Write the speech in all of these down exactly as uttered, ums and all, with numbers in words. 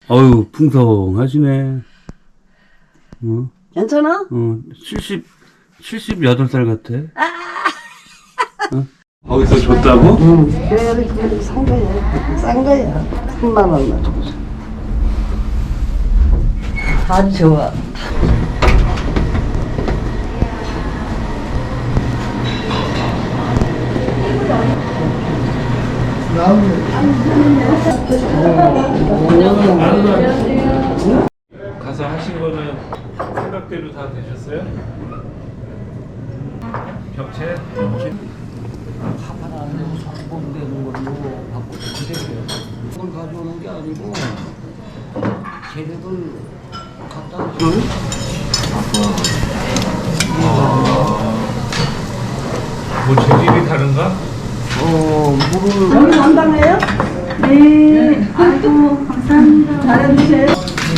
어유 풍성하시네. 어? 괜찮아? 어, 칠십, 칠십여덟 살 같아. 어? 거기서 줬다고? 응. 그래, 그래, 산 거야. 싼 거야. 삼만 원만 주고. 다 좋아. 가서 하신 거는 생각대로 다 되셨어요? 벽체? 하나는 성공되는 걸로 바꿔 그래요. 그걸 가져오는 게 아니고 재료들 갖다 주는. 뭐 재질이 다른가? 어, 물을. 여기 담당해요? 네. 아이고, 감사합니다. 잘해주세요.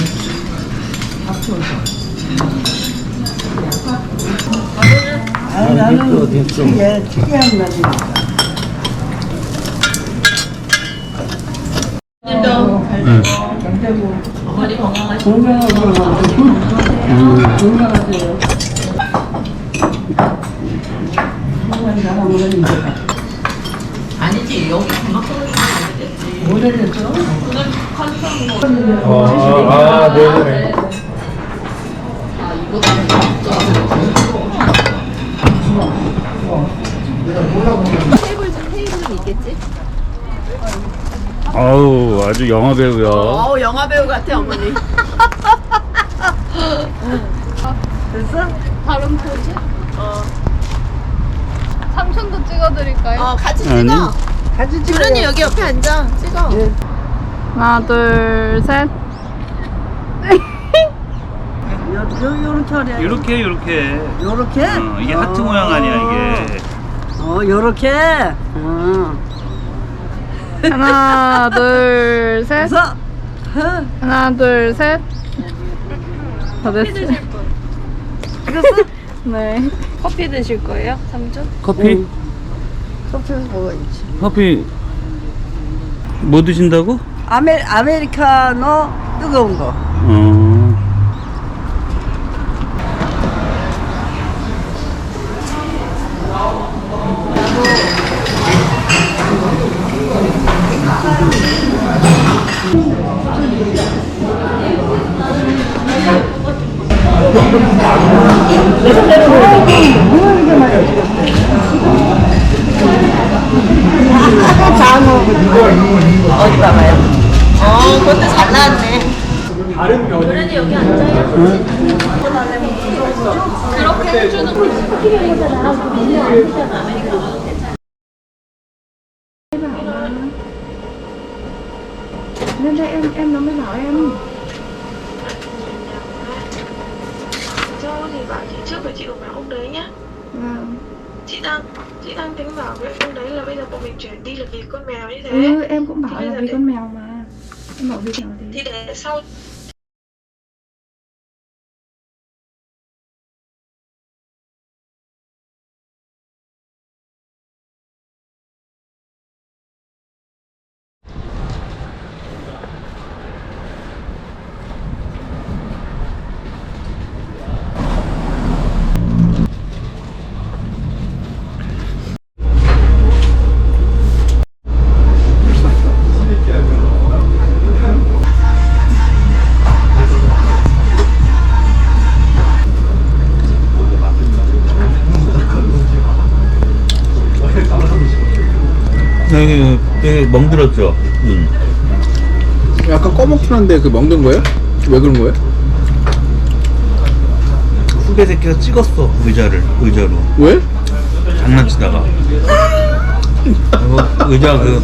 아, 나는 이게 특이한 맛이니까. 응. 머리 건강하시 건강하세요. 건강하세요. 건강 잘하면 이제 아니지, 여기 그만큼 되겠지. 오래됐어? 그날 컨펌 뭐. 아, 아, 네네. 아, 이거 진짜. 테이블, 테이블은 있겠지? 아우, 아주 영화 배우야. 어우, 영화 배우 같아, 어머니. 됐어? 다른 포즈? 어, 삼촌도 찍어드릴까요? 어 같이 찍어. 아니. 같이 찍어. 그러니 여기 옆에 앉아. 찍어. 네. 하나, 둘, 셋. 요, 요, 요렇게 하래. 이렇게, 이렇게. 요렇게? 어, 이게 하트 모양 아니야, 이게. 어, 요렇게? 어. 하나, 둘, 셋. 그래서, 하나, 둘, 셋. 다 됐어요. 그래서? 네. 커피 드실 거예요, 삼촌? 커피? 커피에서 먹어야지. 커피 뭐 드신다고? 아메, 아메리카노 뜨거운 거. 어. 어디 봐봐요. 어, 그것도 잘 나왔네. 그러니 여기 앉아요. 그렇게 해주는 거. Lên đây em em nó mới bảo em. Châu thì bảo chị trước phải chị đụng vào ông đấy nhá. Vâng. Chị đang chị đang tính bảo với ông đấy là bây giờ bọn mình chuyển đi là vì con mèo như thế. Ừ, em cũng bảo Thì là bây vì giờ con mèo mà. Em bảo vì mèo thì thì. để sau 여기, 여기 멍들었죠? 응. 약간 꺼먹긴 한데 그 먹는 거예요? 왜 그런 거예요? 후배 새끼가 찍었어, 의자를, 의자로. 왜? 장난치다가. 그리고 의자 그,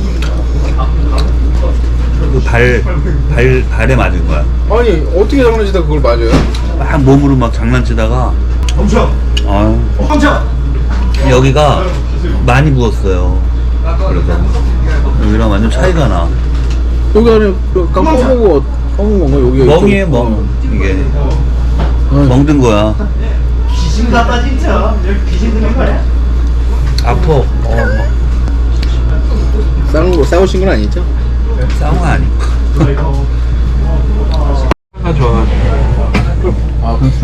그 발, 발, 발에 맞은 거야. 아니 어떻게 장난치다 그걸 맞아요? 막 몸으로 막 장난치다가. 멈춰! 아유. 멈춰! 여기가 많이 부었어요. 그래서 여기랑 완전 차이가 나. 여기 안에 그 꺼먹고 꺼먹은 건가 여기? 멍이에 멍. 이게 멍든 거야. 귀신 같다 진짜. 여기 귀신 들린 거야? 아파. 어, 막 싸운 거 싸우신 건 아니죠? 싸운 거 아니고.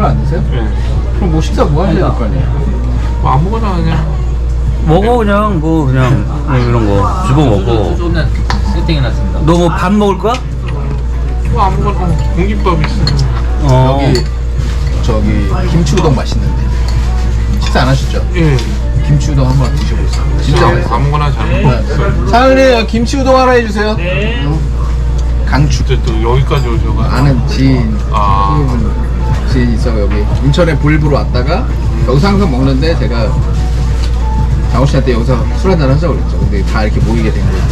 술 안 드세요? 네. 그럼 뭐 식사 뭐 하셔야 될 거 아니에요? 뭐 아무거나 그냥. 먹어 그냥 뭐 그냥 뭐 이런 거 주고 먹고. 조금만 세팅해놨습니다. 너 뭐 밥 먹을 거야? 뭐 아무거나 공깃밥 있으면. 어. 여기 저기 김치 우동 맛있는데 식사 안 하셨죠? 예. 김치 우동 한번 드셔보세요. 진짜 그냥 맛있어요. 아무거나 잘 먹었어요. 사장님 김치 우동 하나 해주세요. 네. 강추. 이제 또 여기까지 오셔가지고. 아는 지인 아. 지인 있어 여기 인천에 볼부로 왔다가 여기서 항상 먹는데 제가 장호 씨한테 여기서 술 한잔 하자고 그랬죠. 근데 다 이렇게 모이게 된 거예요.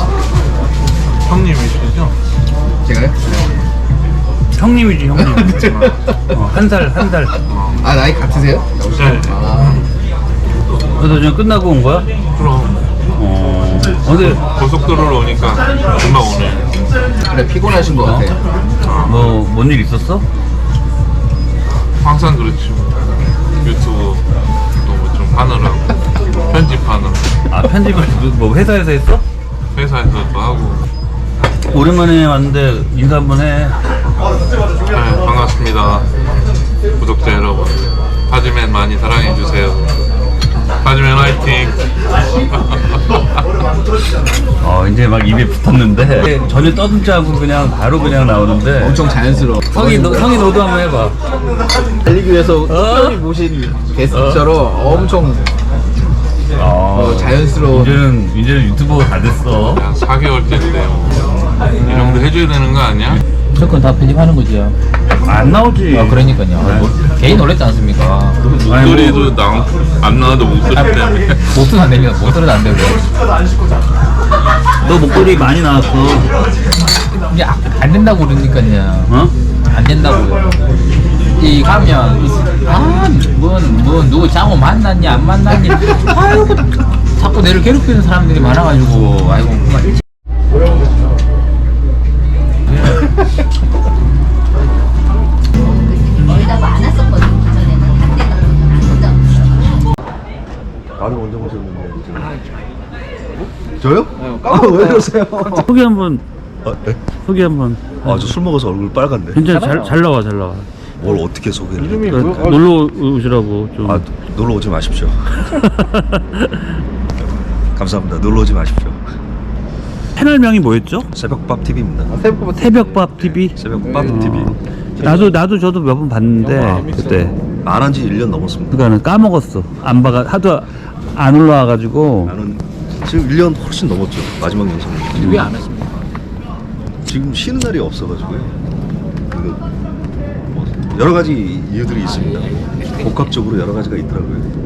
형님이시죠? 제가요? 형님이지 형님. 어, 한 살 한 살. 아 나이 같으세요? 장호 씨? 네. 아 그래서 지금 끝나고 온 거야? 그럼 어. 근데 고속도로로 오니까 금방 오네. 그래 피곤하신 것 같아요. 뭐 뭔 일 있었어? 항상 그렇지. 뭐. 유튜브 또 뭐 좀 하느라고 편집하느라고 아 편집을 뭐 회사에서 했어? 회사에서도 하고. 오랜만에 왔는데 인사 한번 해. 네, 반갑습니다. 구독자 여러분. 파즈맨 많이 사랑해주세요. 파즈맨 화이팅! 어 이제 막 입에 붙었는데 전혀 떠듬지 않고 그냥 바로 그냥 나오는데 엄청 자연스러워. 성이 너, 성이 너도 한번 해봐. 달리기 위해서 특별히 모신 게스트처럼 엄청 어, 자연스러운. 이제는 이제는 유튜버가 다 됐어. 한 사 개월째인데 뭐. 이 정도 해줘야 되는 거 아니야? 무조건 다 편집하는 거죠. 안 나오지. 아, 그러니까요. 뭐, 개인 놀랬지 않습니까? 아니, 목소리도 뭐, 나, 안 나와도 목소리 때문에. 목소리 안 됩니다. 목소리도 안 되고. 너 목소리 많이 나왔어. 이게 아- 안 된다고 그러니까요. 어? 안 된다고요. 이 가면 아뭐뭐 누구 장호 만났니 안 만났니 아이고 자꾸 내를 괴롭히는 사람들이 많아가지고 아이고 그만 일찍 거의 다 많았었거든요. 그전에는 한 대가 안 나는 언제 오셨는데 저요? 아, 왜 그러세요? 소개 한번 아, 네? 소개 한번. 아, 저 술 먹어서 얼굴 빨간데. 괜찮아 잘, 잘 나와 잘 나와. 뭘 어떻게 소개를 해? 그, 놀러 오시라고 좀. 아, 놀러 오지 마십시오. 감사합니다. 놀러 오지 마십시오. 채널명이 뭐였죠? 새벽밥 티비입니다. 새벽밥 티비. 새벽밥 어. 티비. 나도 나도 저도 몇 번 봤는데 그때 안 한 지 일 년 넘었습니다. 그거는 까먹었어. 안 봐가 하도 안 올라와가지고. 나는 지금 일 년 훨씬 넘었죠. 마지막 영상. 왜 안 하십니까? 지금 쉬는 날이 없어가지고요. 그 뭐 여러 가지 이유들이 있습니다. 복합적으로 여러 가지가 있더라고요.